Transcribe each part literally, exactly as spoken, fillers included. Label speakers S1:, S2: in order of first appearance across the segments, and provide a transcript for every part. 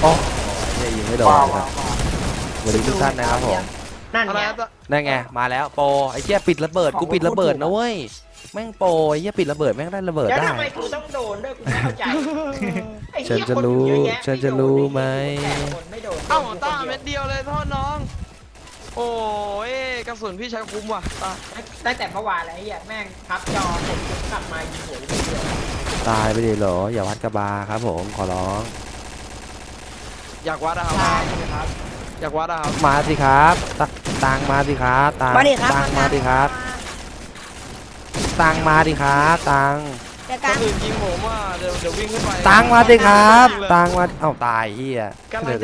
S1: โอ้ยยิงไม่โดนครับสวัสดีทุกท่านนะครับผม
S2: นั่นไง
S1: นั่นไงมาแล้วโปไอ้เหี้ยปิดระเบิดกูปิดระเบิดนะเว้ยแม่งโปไอ้เหี้ยปิดระเบิดแม่งได้ระเบิดได้
S2: ทำไมกูต้องโดนด้วยกูไม่เข้าใจ
S1: ฉันจะรู้ฉันจะรู้ไหม
S3: เอ้าต้าเม็ดเดียวเลยโทษน้องโอ้ยกระสุนพี่ใช้คุ้มว่ะ
S2: ตั้งแต่เมื่อวานแล้วไอ้เหี้ยแม่งพับจอเสร็จกลับมายิงหัวเดียว
S1: ตายไปดิเหรออย่าวัดกระบาครับผมขอร้อง
S3: อยากวัดนะครับอยากวัดนะครับ
S1: มาสิครับตังมาสิครับตังตังมาสิครับตังมาดิครับตัง
S3: คนอื่นยิงผมว่าเดี๋ยวเดี๋ยววิ่งขึ้นไป
S1: ตังมาดิครับตังมาเอ้าตายเฮีย
S3: เดี๋ยว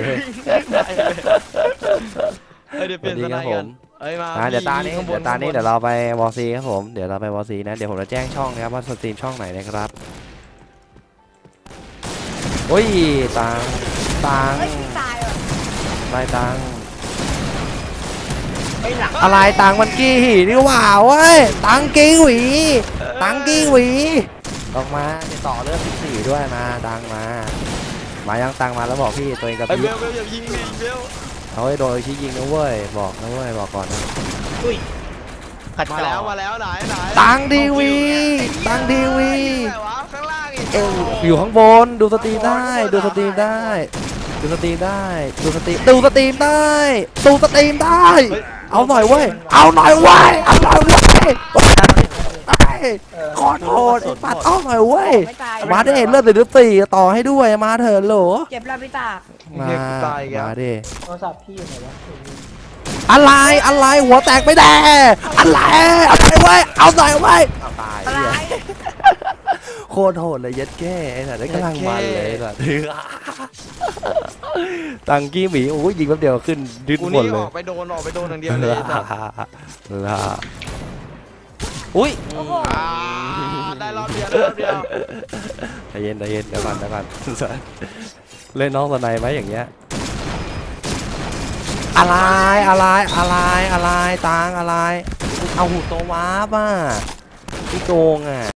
S3: เดี๋ยวเปลี่ยนสไตล์กันเอ้ยมา
S1: เดี๋ยวตานี้เดี๋ยวตานี้เดี๋ยวเราไปวอซีครับผมเดี๋ยวเราไปวอซีนะเดี๋ยวผมจะแจ้งช่องนะครับว่าสตรีมช่องไหนนะครับโอ้ยตังตังอะไรตังอะไรตังมันกี้นี่ว่าเว้ยตังกี้หวีตังกี้หวีออกมาจะต่อเรื่องสิบสี่ด้วยมาตังมามายังตังมาแล้วบอกพี่ตัวเองกับพี่
S3: เบลเบลอย่ายิงเลยเบล
S1: เอาไว้โดยชี้ยิงนะเว้ยบอกนะเว้ยบอกก่อนนะ
S3: มาแล้วมาแล้วไหนไหน
S1: ตังดีวีตังดีวี
S3: ข้างล่างอีก
S1: อยู่ข้างบนดูสตรีมได้ดูสตรีมได้ดูสตรีมได้ดูสตรีมดูสตรีมได้ดูสตรีมได้เอาหน่อยเว้ยเอาหน่อยเว้ยเอาหน่อยเว้ยขอโทษปัดเอาหน่อยเว้ยมาได้เลือดติดสี่ต่อให้ด้วยมาเถอะโหล
S2: เจ็บแล้วพี่ตา
S1: มามาดิ
S2: โทรศัพท์พี่ไหนวะ
S1: อะไรอะไรหัวแตกไม่ได้อะไรเอาหน่อยเว้ยเอาหน่อยเว้ยตายโคตรโหดเลยยัดแก่ไอ้สัตว์ได้กำลังมันเลยสัตว์ตังกี้หมีโอ้ยยิงแป๊บเดียวขึ้นดิ้นหมดเลย
S3: ออกไปโดนออกไปโดนอย่างเดียวเลย
S1: ล่ะอุ้ย
S3: ได้รอบเดียวได้รอบเดียว
S1: ใจเย็นใจเย็นเดี๋ยวก่อนเดี๋ยวก่อนเล่นน้องสไนไหมอย่างเงี้ยอะไรอะไรอะไรอะไรตังอะไรเอาหูตัวว้าป่ะพี่โกงอ่ะ